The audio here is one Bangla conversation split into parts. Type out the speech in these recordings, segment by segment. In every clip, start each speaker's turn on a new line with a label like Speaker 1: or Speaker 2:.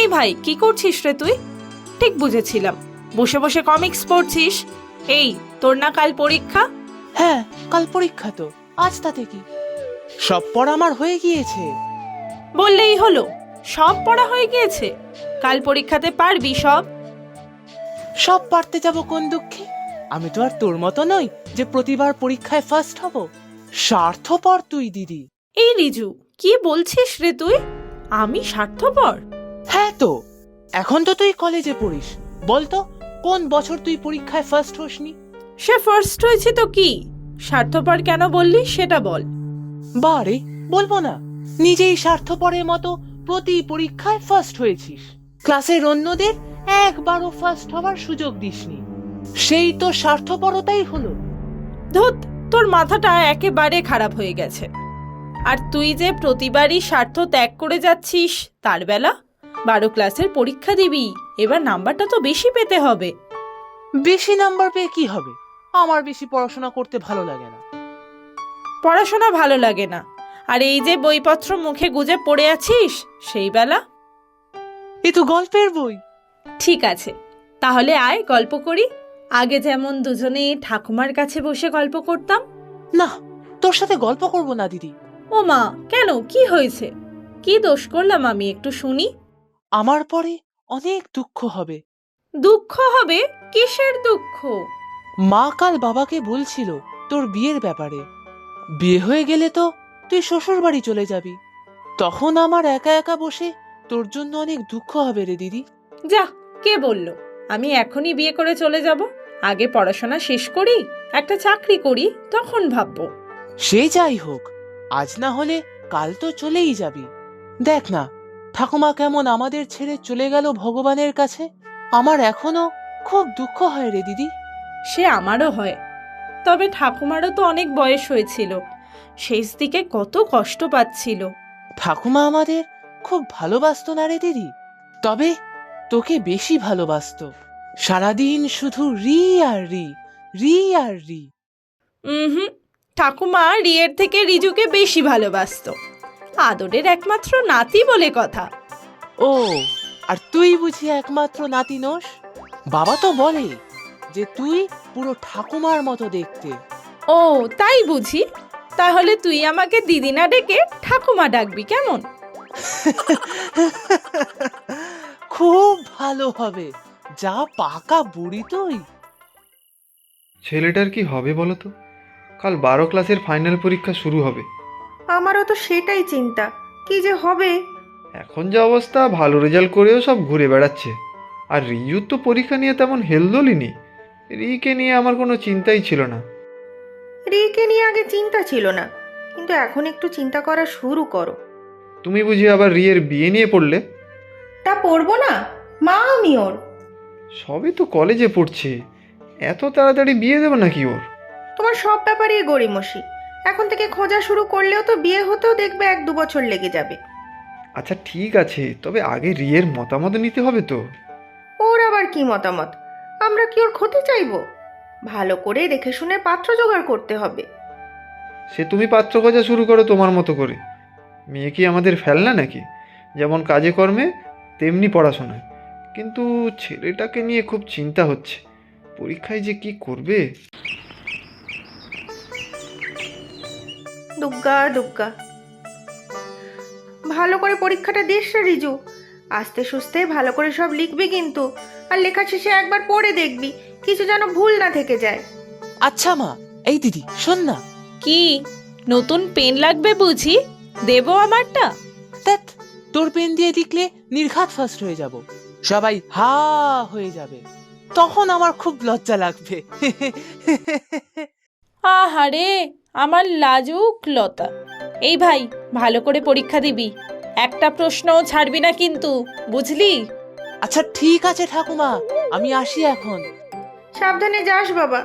Speaker 1: এই ভাই, কি করছিস রে তুই? ঠিক বুঝেছিলাম, বসে বসে কমিক্স পড়ছিস। এই, তোর না কাল পরীক্ষা?
Speaker 2: হ্যাঁ, কাল পরীক্ষা তো, আজ তাতে কি? সব পড়া আমার হয়ে গিয়েছে।
Speaker 1: বললেই হলো, সব পড়া হয়ে গিয়েছে? কাল পরীক্ষাতে পারবি সব?
Speaker 2: সব পারতে যাব কোন দুঃখে? আমি তো আর তোর মতো নই যে প্রতিবার পরীক্ষায় ফার্স্ট হব। স্বার্থপর তুই দিদি।
Speaker 1: এই রিজু, কি বলছিস রে তুই? আমি স্বার্থপর?
Speaker 2: হ্যাঁ তো, এখন তো তুই কলেজে পড়িস। বলতো, কোন বছর তুই পরীক্ষায় ফার্স্ট হসনি?
Speaker 1: সে ফার্স্ট হয়েছে তো কি, স্বার্থপর কেন বললি সেটা বল।
Speaker 2: বারে, বলবো না? নিজেই স্বার্থপরের মতো প্রতি পরীক্ষায় ফার্স্ট হয়েছিস। ক্লাসের অন্যদের একবারও ফার্স্ট হওয়ার সুযোগ দিসনি। সেই তো স্বার্থপরতাই হলো।
Speaker 1: ধুত, তোর মাথাটা একেবারে খারাপ হয়ে গেছে। আর তুই যে প্রতিবারই স্বার্থ ত্যাগ করে যাচ্ছিস, তার বেলা 12 ক্লাসের পরীক্ষা দিবি, এবার নাম্বারটা তো বেশি পেতে হবে।
Speaker 2: বেশি নাম্বার পেয়ে কি হবে? আমার বেশি পড়াশোনা করতে ভালো লাগে না।
Speaker 1: পড়াশোনা ভালো লাগে না, আর এই যে বইপত্র মুখে গুজে পড়ে আছিস, সেই বেলা?
Speaker 2: এ তো গল্পের বই।
Speaker 1: ঠিক আছে, তাহলে আয় গল্প করি। আগে যেমন দুজনে ঠাকুমার কাছে বসে গল্প করতাম।
Speaker 2: না, তোর সাথে গল্প করব না দিদি।
Speaker 1: ও মা, কেন, কি হয়েছে? কি দোষ করলাম আমি, একটু শুনি।
Speaker 2: আমার পরে অনেক দুঃখ হবে।
Speaker 1: দুঃখ হবে? কিসের দুঃখ?
Speaker 2: মা কাল বাবাকে বলছিল তোর বিয়ের ব্যাপারে। বিয়ে হয়ে গেলে তো তুই শ্বশুর বাড়ি চলে যাবি। তখন আমার একা একা বসে তোর জন্য অনেক দুঃখ হবে রে দিদি।
Speaker 1: যা, কে বলল আমি এখনই বিয়ে করে চলে যাব? আগে পড়াশোনা শেষ করি, একটা চাকরি করি, তখন ভাববো।
Speaker 2: সে যাই হোক, আজ না হলে কাল তো চলেই যাবি। দেখ না, ঠাকুমা কেমন আমাদের ছেড়ে চলে গেল ভগবানের কাছে। আমার এখনো খুব দুঃখ হয় রে দিদি।
Speaker 1: সে আমারও হয়, তবে ঠাকুমারও তো অনেক বয়স হয়েছিল, শেষ দিকে কত কষ্ট পাচ্ছিল।
Speaker 2: ঠাকুমা আমাদের খুব ভালোবাসতো না রে দিদি? তবে তোকে বেশি ভালোবাসতো। সারাদিন শুধু রি আর রি, রি আর রি।
Speaker 1: হুম, ঠাকুমা রিয়ের থেকে রিজুকে বেশি ভালোবাসতো। আদরের একমাত্র নাতি বলে কথা।
Speaker 2: ও, আর তুই বুঝি একমাত্র নাতি নোস? বাবা তো বলে যে তুই পুরো ঠাকুমার মতো দেখতে।
Speaker 1: ও, তাই বুঝি? তাহলে তুই আমাকে দিদি না ডেকে ঠাকুমা ডাকবি কেমন?
Speaker 2: খুব ভালো হবে। যা পাকা বুড়ি তুই।
Speaker 3: ছেলেটার কি হবে বলো তো? কাল 12 ক্লাসের ফাইনাল পরীক্ষা শুরু হবে।
Speaker 4: আমারও তো সেটাই চিন্তা, কি যে হবে।
Speaker 3: এখন যে অবস্থা, ভালো রেজাল্ট করেও সব ঘুরে বেড়াচ্ছে। আর রিজুর তো পরীক্ষা নিয়ে তেমন হেলদোলই নেই। রিকে নিয়ে আমার কোনো চিন্তাই ছিল না।
Speaker 4: রিকে নিয়ে আগে চিন্তা ছিল না, কিন্তু এখন একটু চিন্তা করা শুরু করো।
Speaker 3: তুমি বুঝি আবার রিয়ের বিয়ে নিয়ে পড়লে?
Speaker 4: তা পড়বো না? মা আমি ওর।
Speaker 3: সবে তো কলেজে পড়ছে, এত তাড়াতাড়ি বিয়ে দেবো নাকি ওর?
Speaker 4: তোমার সব ব্যাপারেই গড়িমসি। এখন থেকে খোঁজা শুরু করলেও তো বিয়ে হতেও দেখবে 1-2 বছর লেগে যাবে।
Speaker 3: আচ্ছা ঠিক আছে, তবে আগে রিয়ের মতামত নিতে হবে তো।
Speaker 4: ওর আবার কি মতামত? আমরা কি ওর ক্ষতি চাইবো? ভালো করে দেখে শুনে পাত্র জোগাড় করতে হবে।
Speaker 3: সে তুমি পাত্র খোঁজা শুরু করো তোমার মতো করে। মেয়ে কি আমাদের ফেলনা নাকি? যেমন কাজে কর্মে তেমনি পড়াশোনায়। কিন্তু ছেলেটাকে নিয়ে খুব চিন্তা হচ্ছে, পরীক্ষায় যে কি করবে।
Speaker 4: দুগ্গা দুগ্গা, ভালো করে পরীক্ষাটা দিস রে রিজু। আস্তে সুস্তে ভালো করে সব লিখবি কিন্তু, আর লেখা শেষে একবার পড়ে দেখবি কিছু যেন ভুল না থেকে যায়।
Speaker 2: আচ্ছা মা, এই দিদি শোন না।
Speaker 1: কি, নতুন পেন লাগবে বুঝি? দেবো আমারটা?
Speaker 2: ধ্যাৎ, তোর পেন দিয়ে লিখলে নির্ঘাত ফার্স্ট হয়ে যাব। সবাই হা হয়ে যাবে। তখন আমার খুব লজ্জা লাগবে।
Speaker 1: আহারে, আমার লাজুক লতা। এই ভাই, ভালো করে পরীক্ষা দিবি, একটা প্রশ্নও ছাড়বি না কিন্তু, বুঝলি?
Speaker 2: আচ্ছা ঠিক আছে ঠাকুমা, আমি আসি এখন।
Speaker 4: সাবধানে যাস বাবা।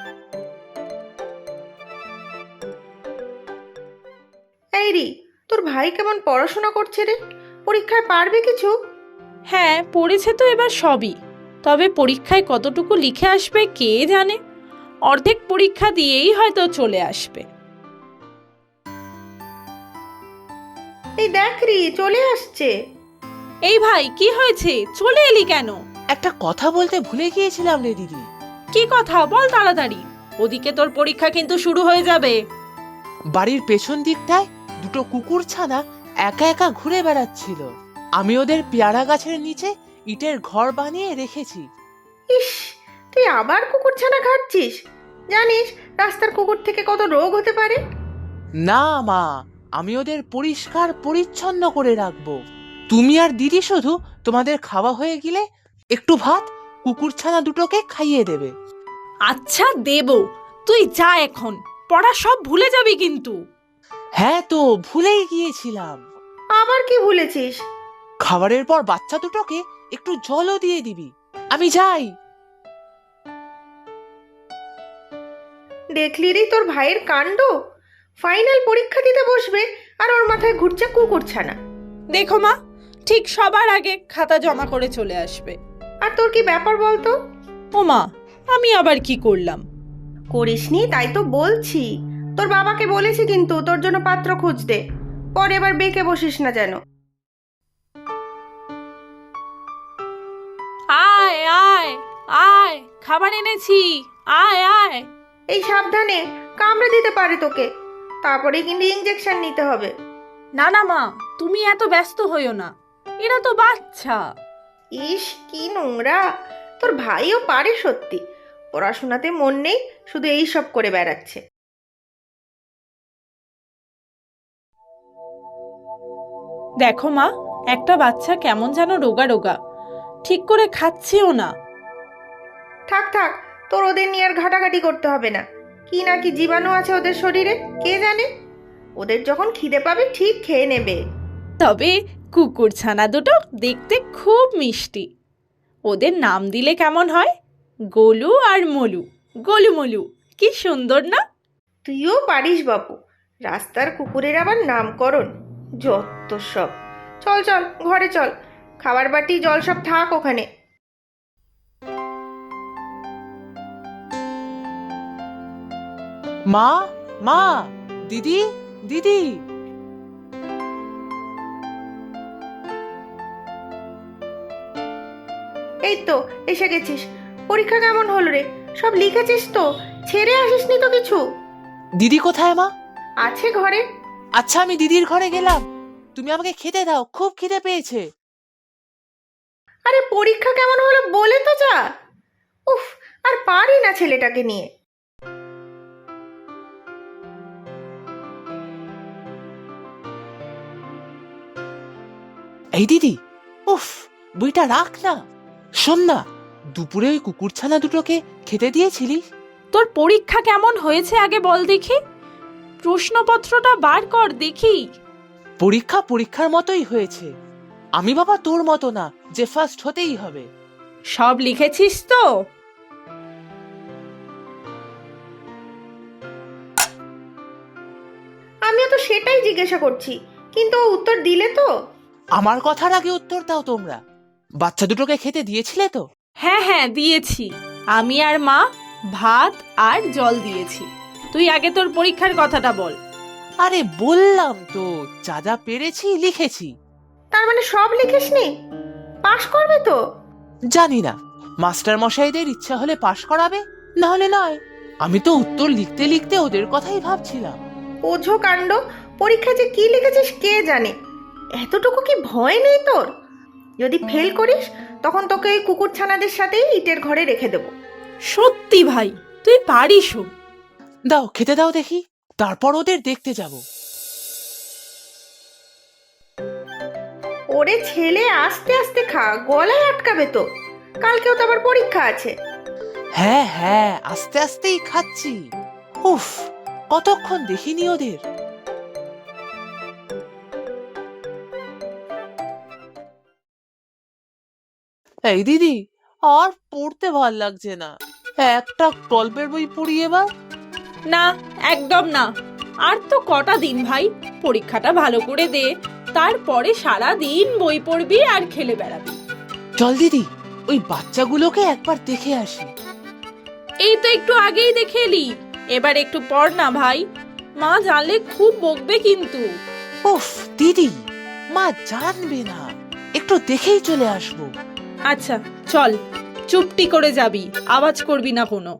Speaker 4: এই রি, তোর ভাই কেমন পড়াশোনা করছে রে? পরীক্ষায় পারবে কিছু?
Speaker 1: হ্যাঁ, পড়েছে তো এবার সবই, তবে পরীক্ষায় কতটুকু লিখে আসবে কে জানে। অর্ধেক পরীক্ষা দিয়েই হয়তো চলে আসবে।
Speaker 4: এই দেখ রি, চলে আসছে।
Speaker 1: এই ভাই, কি হয়েছে? চলে এলি কেন?
Speaker 2: একটা কথা বলতে ভুলে গিয়েছিলাম রে দিদি।
Speaker 1: কি কথা বল তাড়াতাড়ি, ওদিকে তোর পরীক্ষা কিন্তু শুরু হয়ে যাবে।
Speaker 2: বাড়ির পেছন দিকটায় দুটো কুকুর ছানা একা একা ঘুরে বেড়াচ্ছিল। আমি ওদের পেয়ারা গাছের নিচে ইটের ঘর বানিয়ে রেখেছি।
Speaker 4: ইস, তুই আবার কুকুরছানা খাচ্ছিস? জানিস রাস্তার কুকুর থেকে কত রোগ হতে পারে?
Speaker 2: না মা, আমি ওদের পরিষ্কার পরিচ্ছন্ন করে রাখবো। তুমি আর দিদি শুধু তোমাদের খাওয়া হয়ে গেলে একটু ভাত কুকুরছানা দুটোকে খাইয়ে দেবে।
Speaker 1: আচ্ছা দেব, তুই যা এখন, পড়া সব ভুলে যাবি কিন্তু।
Speaker 2: হ্যাঁ তো ভুলেই গিয়েছিলাম।
Speaker 4: আবার কি ভুলেছিস?
Speaker 2: খাবারের পর বাচ্চা দুটোকে একটু জলও দিয়ে দিবি। আমি যাই।
Speaker 4: দেখলি রে তোর ভাইয়ের কাণ্ড, ফাইনাল পরীক্ষা দিতে বসবে আর ওর মাথায় ঘুরছে কুকুরছানা।
Speaker 1: দেখো মা, ঠিক সবার আগে খাতা জমা করে চলে আসবে।
Speaker 4: আর তোর কি ব্যাপার বলতো?
Speaker 1: ও মা, আমি আবার কি করলাম?
Speaker 4: করিসনি তাই তো বলছি। তোর বাবাকে বলেছি কিন্তু তোর জন্য পাত্র খুঁজতে, পরে এবার বেঁকে বসিস না যেন।
Speaker 1: আয় আয় আয়, খাবার এনেছি, আয় আয়।
Speaker 4: এই সাবধানে, কামড়ে দিতে পারে তোকে, তারপরে কিন্তু ইঞ্জেকশন নিতে হবে।
Speaker 1: না না মা, তুমি এত ব্যস্ত হইও না, এরা তো বাচ্চা।
Speaker 4: ইস কি নোংরা, তোর ভাইও পারে সত্যি, পড়াশোনাতে মন নেই, শুধু এই সব করে বেড়াচ্ছে।
Speaker 1: দেখো মা, একটা বাচ্চা কেমন যেন রোগা রোগা, ঠিক করে খাচ্ছেও না।
Speaker 4: থাক থাক, তোর ওদের নিয়ে আর ঘাটাঘাটি করতে হবে না। কি না কি জীবাণু আছে ওদের শরীরে কে জানে, ওদের যখন খিদে পাবে ঠিক খেয়ে নেবে।
Speaker 1: তবে কুকুর ছানা দুটো দেখতে খুব মিষ্টি, ওদের নাম দিলে কেমন হয়? গোলু আর মলু, গোলু মলু, কি সুন্দর না?
Speaker 4: তুইও পারিস বাপু, রাস্তার কুকুরের আবার নামকরণ, যত সব। চল চল ঘরে চল, খাবার বাটি জল সব থাক ওখানে।
Speaker 2: মা, মা, দিদি, দিদি।
Speaker 4: এই তো এসে গেছিস। পরীক্ষা কেমন হলো রে? সব লিখেছিস তো? ছেড়ে আসিসনি তো কিছু?
Speaker 2: দিদি কোথায় মা?
Speaker 4: আছে ঘরে।
Speaker 2: আচ্ছা আমি দিদির ঘরে গেলাম, তুমি আমাকে খেতে দাও, খুব খিদে পেয়েছে।
Speaker 4: আরে পরীক্ষা কেমন হলো বলে তো যা। উফ, আর পারি না ছেলেটাকে নিয়ে।
Speaker 2: এই দিদি, উফ, বইটা রাখ না। শোন না, দুপুরে ওই কুকুরছানা দুটোকে খেতে দিয়েছিলি?
Speaker 1: তোর পরীক্ষা কেমন হয়েছে আগে বল দেখি, প্রশ্নপত্রটা বার কর দেখি।
Speaker 2: পরীক্ষা পরীক্ষার মতোই হয়েছে। আমি বাবা তোর মতো না যে ফার্স্ট হতেই হবে।
Speaker 1: সব লিখেছিস তো?
Speaker 4: আমিও তো সেটাই জিজ্ঞাসা করছি, কিন্তু ও উত্তর দিলে তো?
Speaker 2: আমার কথার আগে উত্তর দাও তোমরা। বাচ্চা দুটোকে খেতে দিয়েছিলে তো?
Speaker 1: হ্যাঁ হ্যাঁ দিয়েছি, আমি আর মা ভাত আর জল দিয়েছি। তুই আগে তোর পরীক্ষার কথাটা বল।
Speaker 2: আরে বললাম তো, যা যা পেরেছি লিখেছি।
Speaker 4: তার মানে সব লিখিসনি? পাশ করবে তো?
Speaker 2: জানি না, মাস্টার মশাইদের ইচ্ছা হলে পাশ করাবে, না হলে নয়। আমি তো উত্তর লিখতে লিখতে ওদের কথাই ভাবছিলাম।
Speaker 4: ওঝো কাণ্ড, পরীক্ষায় যে কি লিখেছিস কে জানে। এতটুকু কি ভয় নেই তোর? যদি ফেল করিস তখন তোকে এই কুকুরছানাদের সাথেই ইটের ঘরে রেখে দেবো।
Speaker 1: সত্যি ভাই, তুই পারিসও।
Speaker 2: দাও খেতে দাও দেখি, তারপর ওদের দেখতে যাব।
Speaker 4: ওরে ছেলে, আস্তে আস্তে খা, গলায় আটকাবে তো। কালকেও তো আবার পরীক্ষা আছে।
Speaker 2: হ্যাঁ হ্যাঁ, আস্তে আস্তেই খাচ্ছি। উফ, কতক্ষণ দেখিনি ওদের। এই দিদি, আর পড়তে ভাল লাগছে না, একটা গল্পের বই পড়ি এবার।
Speaker 1: না, একদম না। আর তো কটা দিন ভাই, পরীক্ষাটা ভালো করে দে, তারপরে সারা দিন বই পড়বি আর খেলে বেড়াবি।
Speaker 2: চল দিদি, ওই বাচ্চাগুলোকে একবার দেখে আসি।
Speaker 1: এই তো একটু আগেই দেখে এলি, এবার একটু পড় না ভাই, মা জানলে খুব বকবে কিন্তু।
Speaker 2: উফ দিদি, মা জানবে না। একটু দেখেই চলে আসবো।
Speaker 1: আচ্ছা চল, চুপটি করে যাবি, আওয়াজ করবি না কোনো।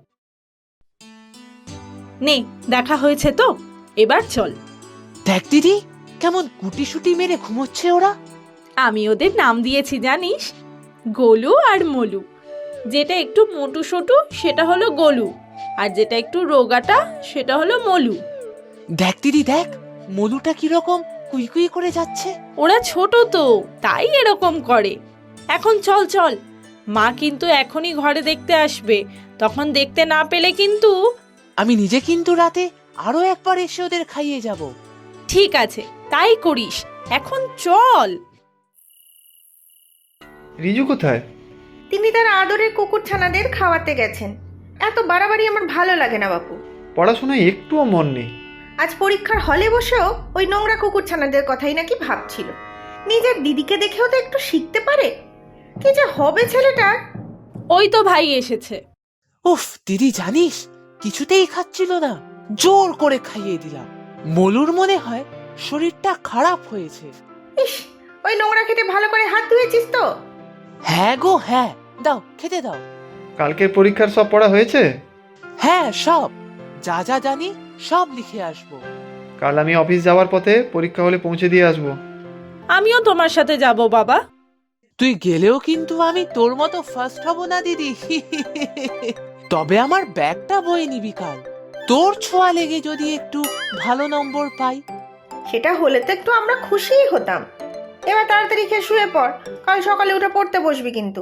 Speaker 1: নে, দেখা হয়েছে তো, এবার চল।
Speaker 2: দেখ দিদি, কেমন গুটিসুটি মেরে ঘুমোচ্ছে ওরা।
Speaker 1: আমি ওদের নাম দিয়েছি জানিস, গোলু আর মলু। যেটা একটু মোটু সোটু সেটা হলো গোলু, আর যেটা একটু রোগাটা সেটা হলো মলু।
Speaker 2: দেখ দিদি দেখ, মলুটা কিরকম কুই করে যাচ্ছে।
Speaker 1: ওরা ছোট তো, তাই এরকম করে। এখন চল চল, মা কিন্তু এখনই ঘরে দেখতে আসবে, তখন দেখতে না পেলে কিন্তু।
Speaker 2: আমি নিজে কিন্তু রাতে আরো একবার এসে ওদের খাইয়ে যাব।
Speaker 1: ঠিক আছে, তাই করিস, এখন চল।
Speaker 3: রিজু কোথায়?
Speaker 4: তিনি তার আদরের কুকুরছানাদের খাওয়াতে গেছেন। এত বাড়াবাড়ি আমার ভালো লাগে না বাপু।
Speaker 3: পড়াশোনায় একটুও মন নেই।
Speaker 4: আজ পরীক্ষার হলে বসেও ওই নোংরা কুকুরছানাদের কথাই নাকি ভাবছিল। নিজের দিদিকে দেখেও তো একটু শিখতে পারে। কি যে হবে ছেলেটার।
Speaker 1: ওই তো ভাই এসেছে।
Speaker 2: উফ দিদি, জানিস কিছুতেই খাচ্ছিল না, জোর করে খাইয়ে দিলাম। মলুর মনে হয় শরীরটা খারাপ হয়েছে।
Speaker 4: ইস, ওই নোংরা খেতে ভালো করে হাত ধুয়েছিস তো?
Speaker 2: হ্যাঁ গো হ্যাঁ, দাও খেতে দাও।
Speaker 3: কালকের পরীক্ষার সব পড়া হয়েছে?
Speaker 2: হ্যাঁ, সব যা যা জানি সব লিখে আসবো।
Speaker 3: কাল আমি অফিস যাওয়ার পথে পরীক্ষা হলে পৌঁছে দিয়ে আসবো।
Speaker 1: আমিও তোমার সাথে যাব বাবা।
Speaker 2: তুই গেলেও কিন্তু আমি তোর মতো ফার্স্ট হব না দিদি। তবে আমার ব্যাগটা বয়ে নিবি কাল। তোর ছোঁয়া লেগে যদি একটু ভালো নম্বর পাই।
Speaker 4: সেটা হলে তো একটু আমরা খুশিই হতাম। এবার তাড়াতাড়ি খেয়ে শুয়ে পড়, কাল সকালে উঠে পড়তে বসবি কিন্তু।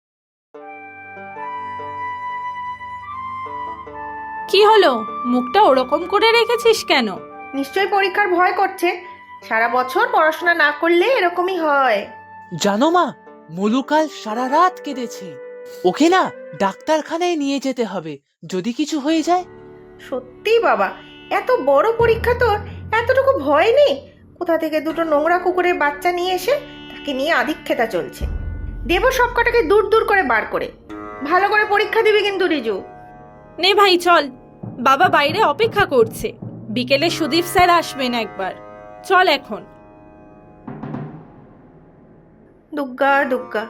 Speaker 1: কি হলো, মুখটা ওরকম করে রেখেছিস কেন?
Speaker 4: নিশ্চয়ই পরীক্ষার ভয় করছে। সারা বছর পড়াশোনা না করলে এরকমই হয়।
Speaker 2: জানো মা, মলু কাল সারা রাত কেঁদেছে। ওকে না ডাক্তারখানায় নিয়ে যেতে হবে যদি কিছু হয়ে যায়।
Speaker 4: সত্যি বাবা, এত বড় পরীক্ষা তোর, এতটুকু ভয় নেই? কোথা থেকে দুটো নোংরা কুকুরের বাচ্চা নিয়ে এসে তাকে নিয়ে আধিক্যতা চলছে। দেব সব কটাকে দূর দূর করে বার করে। ভালো করে পরীক্ষা দিবি কিন্তু রিজু।
Speaker 1: নে ভাই চল, বাবা বাইরে অপেক্ষা করছে, বিকেলে সুদীপ স্যার আসবেন একবার। চল এখন।
Speaker 4: দুগ্গা দুগ্গা।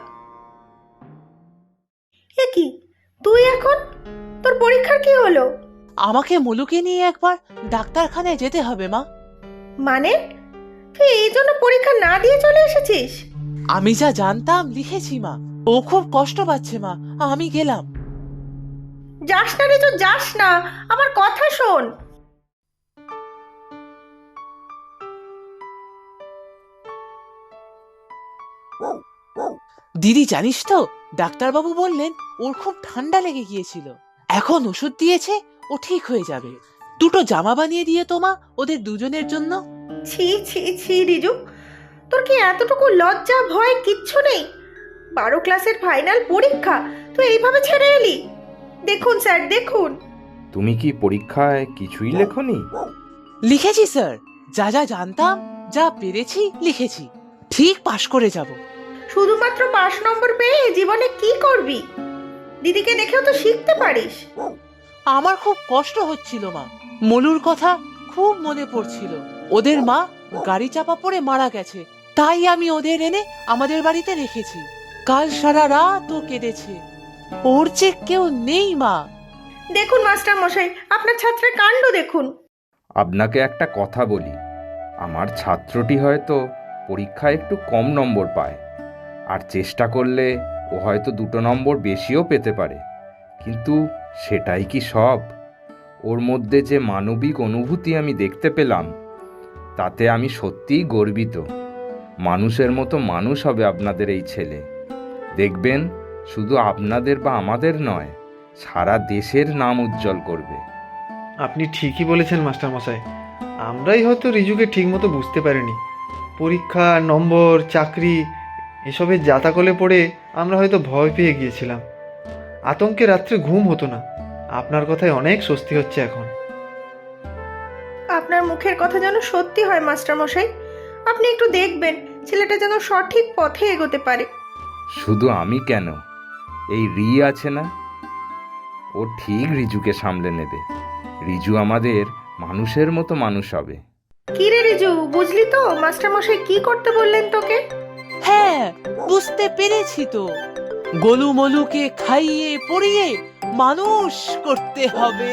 Speaker 4: এ কি, তুই এখন? তোর পরীক্ষার কি হলো?
Speaker 2: আমাকে মলুকে নিয়ে একবার ডাক্তারখানায় যেতে হবে মা।
Speaker 4: মানে তুই এই জন্য পরীক্ষা না দিয়ে চলে এসেছিস?
Speaker 2: আমি যা জানতাম লিখেছি মা। ও খুব কষ্ট পাচ্ছে মা, আমি গেলাম।
Speaker 4: যাস না রিজু, যাস না, আমার কথা শোন।
Speaker 2: দিদি জানিস তো, ডাক্তারবাবু বললেন ওর খুব ঠান্ডা লেগে গিয়েছিল। এখন ওষুধ দিয়েছে, ও ঠিক হয়ে যাবে। দুটো জামা বানিয়ে দিয়ে তোমা ওদের দুজনের জন্য।
Speaker 4: ছি ছি ছি রিজু, তোর কি এতটুকু লজ্জা ভয় কিচ্ছু নেই? 12 ক্লাসের ফাইনাল পরীক্ষা তুই এইভাবে ছেড়ে এলি? দেখুন স্যার, দেখুন।
Speaker 5: তুমি কি পরীক্ষায় কিছুই লেখনি?
Speaker 2: লিখেছি স্যার, যা যা জানতাম, যা পেরেছি লিখেছি। ঠিক পাশ করে যাব।
Speaker 4: শুধুমাত্র 5 নম্বর পেয়ে জীবনে কি করবি? দিদিকে দেখেও তো শিখতে পারিস।
Speaker 2: আমার খুব কষ্ট হচ্ছিল মা, মলুর কথা খুব মনে পড়ছিল। ওদের মা গাড়ি চাপা পড়ে মারা গেছে, তাই আমি ওদের এনে আমাদের বাড়িতে রেখেছি। কাল সারা রাত ও কেঁদেছে। ওর যে কেউ নেই মা।
Speaker 4: দেখুন মাস্টার মশাই, আপনার ছাত্রের কাণ্ড দেখুন।
Speaker 5: আপনাকে একটা কথা বলি, আমার ছাত্রটি হয়তো পরীক্ষায় একটু কম নম্বর পায়, আর চেষ্টা করলে ও হয়তো 2 নম্বর বেশিও পেতে পারে, কিন্তু সেটাই কি সব? ওর মধ্যে যে মানবিক অনুভূতি আমি দেখতে পেলাম, তাতে আমি সত্যিই গর্বিত। মানুষের মতো মানুষ হবে আপনাদের এই ছেলে। দেখবেন শুধু আপনাদের বা আমাদের নয়, সারা দেশের নাম উজ্জ্বল করবে।
Speaker 3: আপনি ঠিকই বলেছেন মাস্টারমশাই, আমরাই হয়তো রিজুকে ঠিকমতো বুঝতে পারিনি। পরীক্ষা, নম্বর, চাকরি এসবের জাতাকলে পড়ে আমরা হয়তো ভয় পেয়ে গিয়েছিলাম। আতঙ্কে রাত্রে ঘুম হতো না। আপনার কথায় অনেক স্বস্তি হচ্ছে এখন।
Speaker 4: আপনার মুখের কথা যেন সত্যি হয় মাস্টার মশাই। আপনি একটু দেখবেন ছেলেটা যেন সঠিক পথে এগোতে পারে।
Speaker 5: শুধু আমি কেন, এই রি আছে না, ও ঠিক রিজুকে সামলে নেবে। রিজু আমাদের মানুষের মতো মানুষ হবে।
Speaker 4: কি রে রিজু, বুঝলি তো মাস্টার মশাই কি করতে বললেন তোকে?
Speaker 2: হ্যাঁ হ্যাঁ, বুঝতে পেরেছি তো। গোলুমলুকে খাইয়ে পড়িয়ে মানুষ করতে হবে।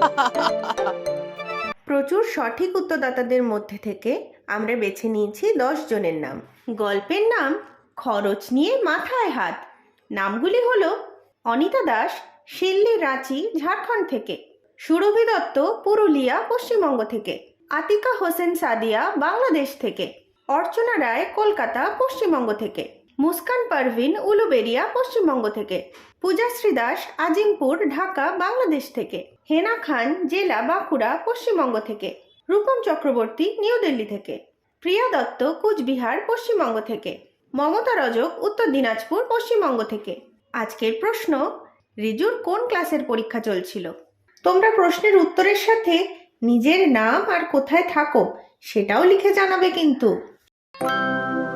Speaker 4: প্রচুর সঠিক উত্তরদাতাদের মধ্যে থেকে আমরা বেছে নিয়েছি 10 জনের নাম। গল্পের নাম খরচ নিয়ে মাথায় হাত। নামগুলি হলো অনিতা দাস, শিল্লি, রাঁচি, ঝাড়খণ্ড থেকে; সুরভি দত্ত, পুরুলিয়া, পশ্চিমবঙ্গ থেকে; আতিকা হোসেন সাদিয়া, বাংলাদেশ থেকে; অর্চনা রায়, কলকাতা, পশ্চিমবঙ্গ থেকে; মুস্কান পারভিন, উলুবেড়িয়া, পশ্চিমবঙ্গ থেকে; পূজাশ্রী দাস, আজিমপুর, ঢাকা, বাংলাদেশ থেকে; হেনা খান, জেলা বাঁকুড়া, পশ্চিমবঙ্গ থেকে; রূপম চক্রবর্তী, নিউ দিল্লি থেকে; প্রিয়া দত্ত, কুচবিহার, পশ্চিমবঙ্গ থেকে; মমতা রজক, উত্তর দিনাজপুর, পশ্চিমবঙ্গ থেকে। আজকের প্রশ্ন, রিজুর কোন ক্লাসের পরীক্ষা চলছিল? তোমরা প্রশ্নের উত্তরের সাথে নিজের নাম আর কোথায় থাকো সেটাও লিখে জানাবে কিন্তু।